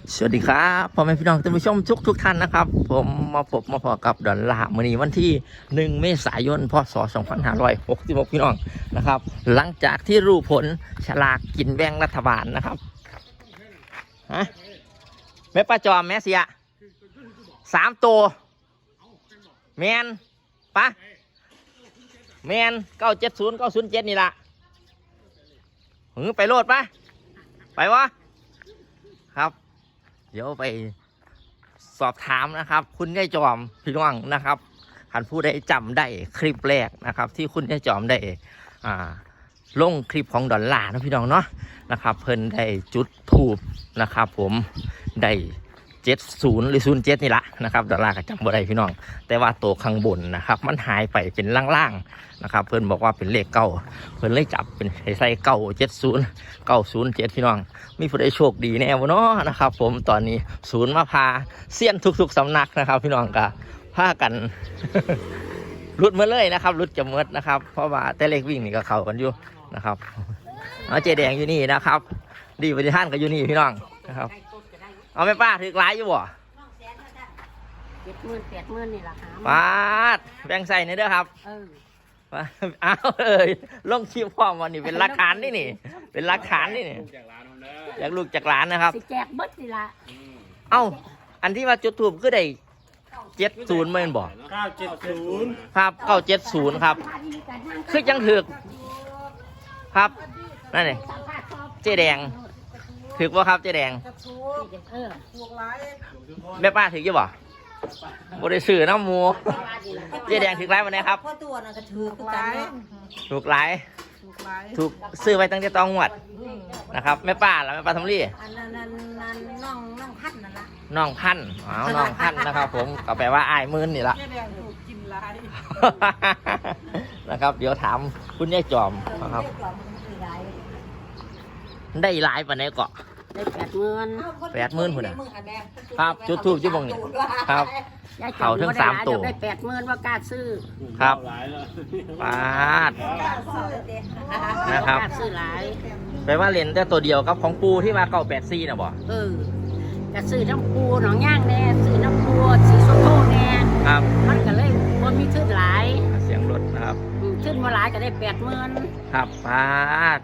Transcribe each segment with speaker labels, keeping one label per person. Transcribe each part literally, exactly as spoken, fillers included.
Speaker 1: สวัสดีครับพ่อแม่พี่น้องท่านผู้ชมทุกทุกท่านนะครับผมมาพบมาพอกับดอนลาร์มื้อนี้วันที่หนึ่งเมษายนพศสองพันห้าร้อยหกสิบหกพี่น้องนะครับหลังจากที่รู้ผลฉลากกินแบ่งรัฐบาลนะครับฮะแม่ป้าจอมแม่เสียสามตัวแมนปะแมนเก้าเจ็ดศูนย์เก้าศูนย์เจ็ดนี่ละหึไปโลดปะไปวะครับเดี๋ยวไปสอบถามนะครับคุณยายจอมพี่น้องนะครับท่านผู้ใดจำได้คลิปแรกนะครับที่คุณยายจอมได้อ่าลงคลิปของดอลลาร์นะพี่น้องเนาะนะครับเพิ่นได้จุดทูบนะครับผมได้เจ็ดศูนย์หรือศูนย์เจ็ดนี่ละนะครับดอลลาร์ก็จำบ่ได้พี่น้องแต่ว่าตัวข้างบนนะครับมันหายไปเป็นล่างๆนะครับเพิ่นบอกว่าเป็นเลขเก้าเพิ่นเลยจับเป็นใส่เก้าเจ็ดศูนย์เก้าศูนย์เจ็ดพี่น้องมีผู้ใดโชคดีแน่วะเนาะนะครับผมตอนนี้ศูนย์มาพาเสี้ยนทุกๆสำนักนะครับพี่น้องก็พากัน รุดมาเลยนะครับรุดจะเมิดนะครับเพราะว่าแต่เลขวิ่งนี่ก็เข้ากันอยู่นะครับเอาเจแดงอยู่นี่นะครับดีปฏิท่านก็อยู่นี่พี่น้องนะครับเอาไม่ป้าถือหลายอยู่บ่
Speaker 2: เจ็ดหมื่นแปดหมื่นนี่แหละค่ะ
Speaker 1: ป้าดแบ่งใส่ในเด้อครับ
Speaker 2: เออ
Speaker 1: อ้าวเอ้ยลงคิวพร้อมวันนี้เป็นหลักฐานนี่นี่เป็นหลักฐานนี่นี่อยากลูกจากร้านนะครับ
Speaker 2: สิแจกเบิดนี่ละ
Speaker 1: เอ้าอันที่ว่าจุดทูบคือได้เจ็ดศูนย์เมื่อบอก
Speaker 3: เก้าเจ็ดศูนย์
Speaker 1: ครับเก้าเจ็ดศูนย์ครับคือยังถือครับนั่นนี่เจ๊แดงถือว่าครับเจ๊แดงแม่ป้าถือยี่บ่บริสื่อน้ำมูเจ๊แดงถือไรวันนี้ครับ
Speaker 4: ตัวน่ะก็ถือคือกัน
Speaker 1: ถูกหลายถูกซื้อไว้ตั้งแต่ตองหวดนะครับแม่ป้าแล้วแม่ป้าทำรี่
Speaker 4: อันนั้นนั่นนั่นน้องน้องพันนั่นละ
Speaker 1: น้องพันอ๋อน้องพันนะครับผมก็แปลว่าอายมื่นนี่ละนะครับเดี๋ยวถามคุณยายจอมนะครับได้หลายปานไหนเกาะ
Speaker 2: ได้แปดหมื่น
Speaker 1: แปดหมื่นพุ่นน่ะครับจุดทูบจุดบงนี่ครับเขาทั้งสามตัว
Speaker 2: ได้แปดหมื่นว่ากล้าซื้อ
Speaker 1: ครับปาดนะครับ
Speaker 2: ซื้อหลาย
Speaker 1: แปลว่าเลนแต่ตัวเดียวกับของปูที่มาเก่าแปดซี่นะบ่
Speaker 2: เออจะซื้อน้ำปูหนองย่างแน่ซื้อน้ำปูสีส้มโตแน่
Speaker 1: ครับ
Speaker 2: มันก็เลยคนมีชื่อหลาย
Speaker 1: เสียงรถนะครับ
Speaker 2: ชื่อมาหลายก็ได้แปดหมื่น
Speaker 1: ครับปาด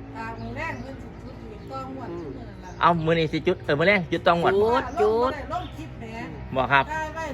Speaker 1: เอามือนี่สิจุดเออมือแรกจุดตองหมด
Speaker 2: จุดจุด
Speaker 1: บอกครับ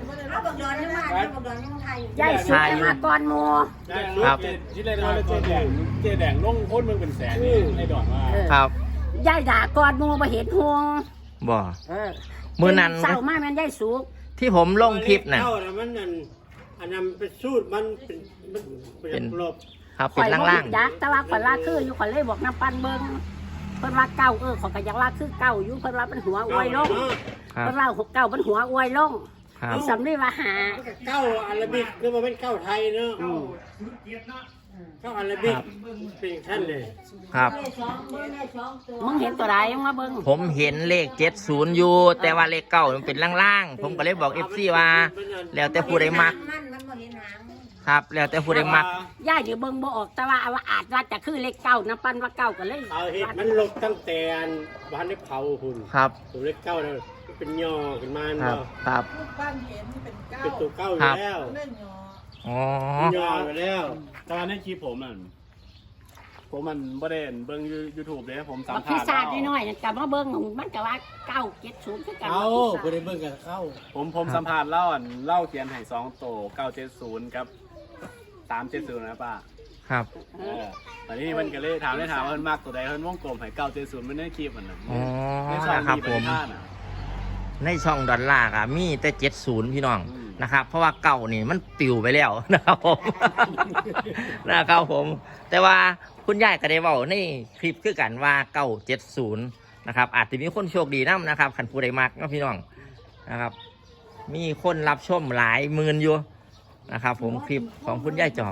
Speaker 2: ยายสุดมาก่อนโม
Speaker 1: ครับ
Speaker 3: ที่ได้มาเจ๊แดงเจ๊แดงล่งพ้นมึงเป็นแสนนี่ในดอนว่า
Speaker 1: ครับ
Speaker 2: ยายด่าก่อนโมมาเห็นห่วง
Speaker 1: บอกมือนั้น
Speaker 2: เศร้ามากมันยายสุก
Speaker 1: ที่ผมลงคลิปน่ะ
Speaker 3: มันนั่นอันนั้นเป็นสูตรมันเป็นเป็นลบ
Speaker 1: ครับเป็นล่าง
Speaker 2: ๆยักษ์แต่ว่าคนละคืออยู่คนเลยบอกน้ำปันเบิ้งเพิ่นว่าเก้าเออของกระยักลาคือเก้าอยู่เพิ่นว่าเป็นหัวอวยลงเพิ่นว่าหกเก้าเป็นหัวอวยลงสำนีว่าหา
Speaker 3: เก้าอาราบิกคือมันเป็นเก้าไทยเนาะเก้าอาราบิกเป็นท่านเลย
Speaker 1: ครับ
Speaker 2: มึงเห็นตัวใดมึงมาเบิ้ง
Speaker 1: ผมเห็นเลขเจ็ดศูนย์อยู่แต่ว่าเลขเก้ามันเป็นล่างๆผมก็เลยบอกเอฟซีว่าแล้วแต่ผู้ใดมักครับแล้วแต่ผู้ใดมัก
Speaker 2: ย่าอยู่เบิ้งบ่ออกแต่ว่าว่าอาจว่าจะคือเลขเก้าน้ำปั้นว่าเก้าก็เลย
Speaker 3: เอาเห็ดมันลบตั้งแต่บ้านได้เผาคุณ
Speaker 1: ครับ
Speaker 3: ตัวเลขเก้าเนี่ยเป็นย่อขึ้นมาเ
Speaker 1: นาะครับ
Speaker 4: บ้านเห็นเป็นเก้า
Speaker 3: เป็นตัวเก้าอยู่แล้ว
Speaker 1: อ๋อย่
Speaker 3: อไปแล้วตอนนี้คลิปผมอ่ะผมมันบ่ได้เบิ้งยูทูบเลยผมสัมภาษณ์
Speaker 2: พิซซ่าน้อยๆแต่ว่าเบิ้งมันก็ว่าเก้าเจ็ดศูนย์คือกัน
Speaker 3: เอาบ่ได้เบิ้งกันเข้าผมผมสัมภาษณ์เล่าอ่ะเล่าเขียนให้สองโตเก้าเจ็ดศูนย์ครับสามเจ็ดศูนย์นะป้า
Speaker 1: ครับ
Speaker 3: เออตอนนี้มันก็เลยถามได้ถามว่ามันมากตัวใดเพิ่นวงกลมให้เก้าเจ็ดศูนย์มันได้คลิปมันน่ะ
Speaker 1: อ๋อนะครับผมในช่องดอลลาร์อ่ะมีแต่เจ็ดศูนย์พี่น้องนะครับเพราะว่าเก่านี่มันปิวไปแล้วนะครับผมนะครับผมแต่ว่าคุณยายก็ได้บอกในคลิปคือกันว่าเก้าเจ็ดศูนย์นะครับอาจจะมีคนโชคดีน้ำนะครับขันผู้ใดมักนะพี่น้องนะครับมีคนรับชมหลายหมื่นอยู่นะครับผมคลิปของคุณยายจอม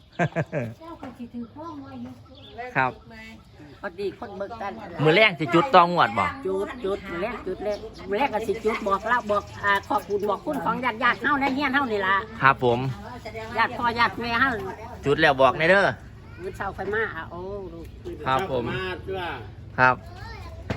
Speaker 1: ครับ
Speaker 2: พอดีคนเบิกกัน
Speaker 1: มือแรกสิจุดตองหวดบอก
Speaker 2: จุดจุดมือแรกจุดแรกมือแรกก็สิจุดบอกเราบอกอ่าขอบคุณบอกคุณของญาติญาติเฮาในเฮียนเฮานี่ล่ะ
Speaker 1: ครับผม
Speaker 2: ญาติพ่อญาติแม่เฮา
Speaker 1: จุดแล้วบอกในเด้อ
Speaker 2: มือเช้าไฟมาโอ้
Speaker 1: ครับผม
Speaker 3: มาด้วย
Speaker 1: ครับ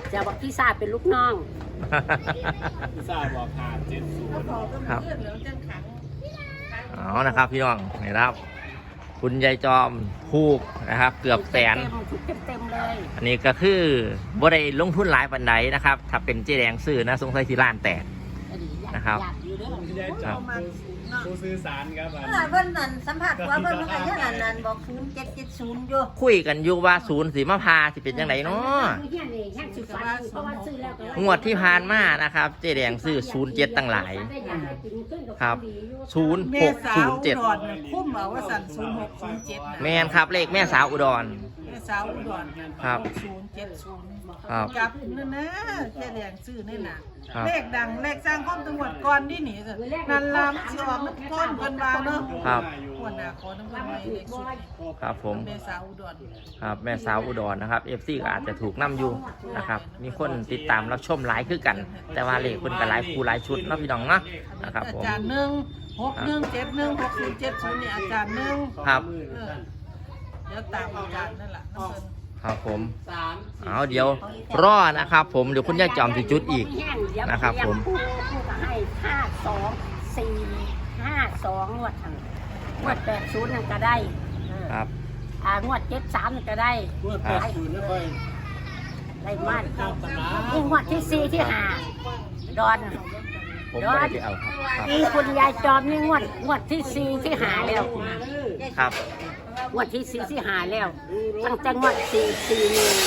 Speaker 2: จะบอกพี่ซาเป็นลูกน้อง
Speaker 3: พิซซ่าบอกหาเจ็ดศูน
Speaker 4: ก็
Speaker 3: ย์
Speaker 4: พอก็
Speaker 1: ครับ
Speaker 4: เพื่อนเหลืองจังขัง
Speaker 1: เอานะครับพี่น้องนี่ครับ คุณยายจอมถูกนะครับ เกือบแสน
Speaker 2: เต็มถูกเต็มๆเลย
Speaker 1: อันนี้ก็คือบ่ได้ลงทุนหลายปันไดนะครับ ถ้าเป็นเจ๊แดงซื้อนะสงสัยที่ร้านแตก นะครับ
Speaker 2: อยากอยู่เด้อ
Speaker 3: พี่ยายจอมผู้สื่อสารครับอัน
Speaker 4: เมื่อเพิ่นนั่นสัมผัสว่าเพิ่นมันก็ยังอันนั้นบอกศูนย์เจ็ดเจ็ดศูนย์อยู่
Speaker 1: คุยกันอยู่ว่าศูนย์สีมะพร้าวสิเป็นยังไงเนาะ
Speaker 2: เฮียนี่แห้งสิฟันเพราะว่าซื้อแล้วก็
Speaker 1: งวดที่ผ่านมานะครับเจ๊แดงซื้อศูนย์เจ็ดตั้งหลาย ครับ ศูนย์
Speaker 5: แม่
Speaker 1: หก
Speaker 5: สา
Speaker 1: ศู
Speaker 5: วน
Speaker 1: ย์เจ็ด
Speaker 5: อุดรน่ะคุ้มเอาว่าสั่นศูนย์หกศูนย์เจ็ด
Speaker 1: แมนครับเลขแม่สาวอุดร
Speaker 5: แม่สาวอุดร
Speaker 1: ครับ
Speaker 5: ศูนย์เจ็ดศูนย์
Speaker 1: ครับ
Speaker 5: กลับนั่นนะแค่แรงซื้อนี่น่ะ
Speaker 1: ครับ
Speaker 5: เลขดังเลขสร้างความจังหวัดก่อนนี่หนีสินันลามสิออกมันต้นกันบางเนาะ
Speaker 1: ครับ
Speaker 5: หัวหน้าขอน้ำเงินไว้เลขสุด
Speaker 1: ครับผม
Speaker 5: แม่สาวอุดร
Speaker 1: ครับแม่สาวอุดรนะครับเอฟซีก็อาจจะถูกนํอยู่นะครับ มีคนติดตามรับชมหลายคือกัน แต่ว่าเลขคนก็หลายคู่หลายชุดเนาะพี่น้องเนาะนะครับ
Speaker 5: อา
Speaker 1: ผม
Speaker 5: จารย์หนึ่งหกหนึ่งเจ็ดหนึ่งหกศูนย์เจ็ดศูนย์นี่อาจารย์หนึ่ง
Speaker 1: ครับ
Speaker 5: เออเดี๋ยวตามอาจารย์นั่นแหละน้ำเงิน
Speaker 1: ครับผมเอาเดี๋ยวรอนะครับ ผมเดี๋ยวคุณยายจอมสิจุดอีก นะครับผม
Speaker 2: ผู้ผู้ก็ให้ห้าสองสี่ห้าสองงวดทางงวดแปดศูนย์นั่นก็ได้เออ
Speaker 1: ครับ
Speaker 2: อ่างวดเจ็ดสามนั่นก็ได้
Speaker 1: ครับ
Speaker 2: ได้มากนี่งวดที่สี่ที่ห้าดอน
Speaker 1: ผมไม่ได้ไปเอาครับครับ
Speaker 2: นี่คุณยายจอมนี่งวดงวดที่สี่ที่หาแล้ว
Speaker 1: ครับ
Speaker 2: งวดที่สี่ที่หาแล้วตั้งแต่งวดสี่สี่หนึ่ง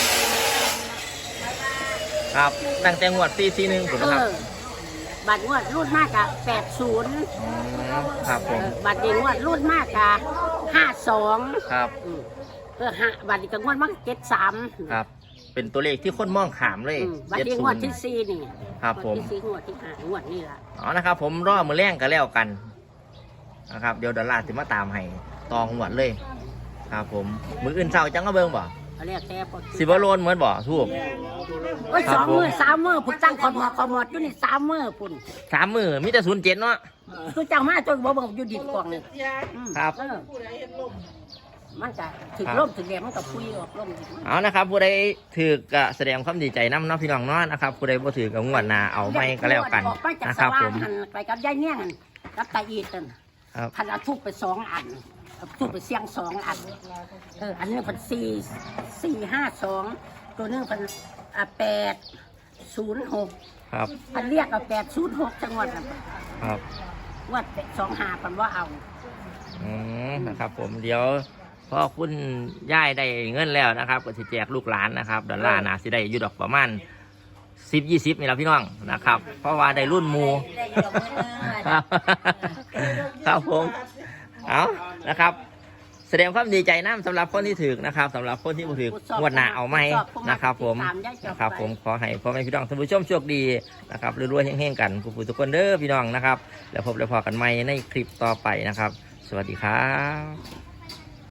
Speaker 1: ครับตั้งแต่งวดสี่สี่หนึ่งผม
Speaker 2: เอ
Speaker 1: นะครับ
Speaker 2: อบัตรงวดรุ่นมากอะแปดศูนย์
Speaker 1: อืมครับผม
Speaker 2: บัตรเด็กงวดรุ่นมากอะห้าสอง
Speaker 1: ครับ
Speaker 2: เออห้าบัตรเด็กงวดมากเจ็ดสาม
Speaker 1: ครับ เป็นตัวเลขที่คนมองขามเลย
Speaker 2: บัตร
Speaker 1: เจ็ด
Speaker 2: เด็ก
Speaker 1: ศู
Speaker 2: งวด
Speaker 1: นย์
Speaker 2: ที่สี่นี่
Speaker 1: ครับผม
Speaker 2: งวดที่สี่งวดที่ห้างวดนี่ล่ะ
Speaker 1: เอานะครับ ผมรอมือแรงกันแล้วกันนะครับ เดี๋ยวดอลลาร์จะมาตามให้ตองหวดเลย ครับผมมืออื่นเศร้าจังก็เบิ่งบ่
Speaker 2: เขาเรียกแต่ปกติ
Speaker 1: สิบโลนเหมือนบ่ทูบ
Speaker 2: โอ้ย
Speaker 1: ครั
Speaker 2: ส
Speaker 1: บ
Speaker 2: อง
Speaker 1: ผม
Speaker 2: มือสามมือพุ่นตั้งขอมอขอมอดอยู่นี่สามมือพุ่น
Speaker 1: สามมือมีแต่ศูนย์เจ็ดเนาะ
Speaker 2: คือเจ้ามาจนบ่เบิ่งอยู่ดินกล่องนี่อืม
Speaker 1: ครับ
Speaker 2: เออ
Speaker 5: ผู้ใดเห็นลม
Speaker 2: มันก็ถึง
Speaker 1: ครับ
Speaker 2: ร่มถึงแดดมันก็พุยออกร่ม
Speaker 1: เอานะครับ ผู้ใดถือก็แสดงความดีใจน้ำเนาะพี่น้องเนาะนะครับ ผู้ใดบ่ถือก็งวดหน้าเอาไม่ก็แล้วกัน
Speaker 2: ออกไปจาก
Speaker 1: นะ
Speaker 2: ส
Speaker 1: ครับ
Speaker 2: ว่า
Speaker 1: ผ
Speaker 2: ง
Speaker 1: ม
Speaker 2: หันไปกับยายเนี่ยหันกับตาอีตัน
Speaker 1: ครับ
Speaker 2: พันเอาทุบไปสองอันเอาทุบไปเสียงสองอันเอออันนี้พันสี่สี่ห้าสองตัวนึงพันอ่ะแปดศูนย์หก
Speaker 1: ครับ
Speaker 2: พันเรียกเอาแปดศูนย์หกจังหวัดน่ะ
Speaker 1: ครับ
Speaker 2: ว่าแปดสองหาพันว่าเอา
Speaker 1: อืมนะครับผมเดี๋ยวพอคุณย่ายได้เงินแล้วนะครับก็สิแจกลูกหลานนะครับดอลลาร์นะสิได้อยู่ดอกประมาณสิบยี่สิบนี่แหละพี่น้องนะครับ เพราะว่าได้รุ่นหมู
Speaker 4: ได้อยู่ดอกเงิน
Speaker 1: ครับครับผมเอานะครับ แสดงความดีใจน้ำสำหรับคนที่ถือนะครับสำหรับคนที่บ่ถืองวดหน้าเอาไหมนะครับ ผมนะครับผมขอให้พ่อแม่พี่น้องท่านผู้ชมโชคดีนะครับรวยๆเฮงๆกันผู้ทุกคนเด้อพี่น้องนะครับ แล้วพบแล้วพอกันใหม่ในคลิปต่อไปนะครับ สวัสดีครับ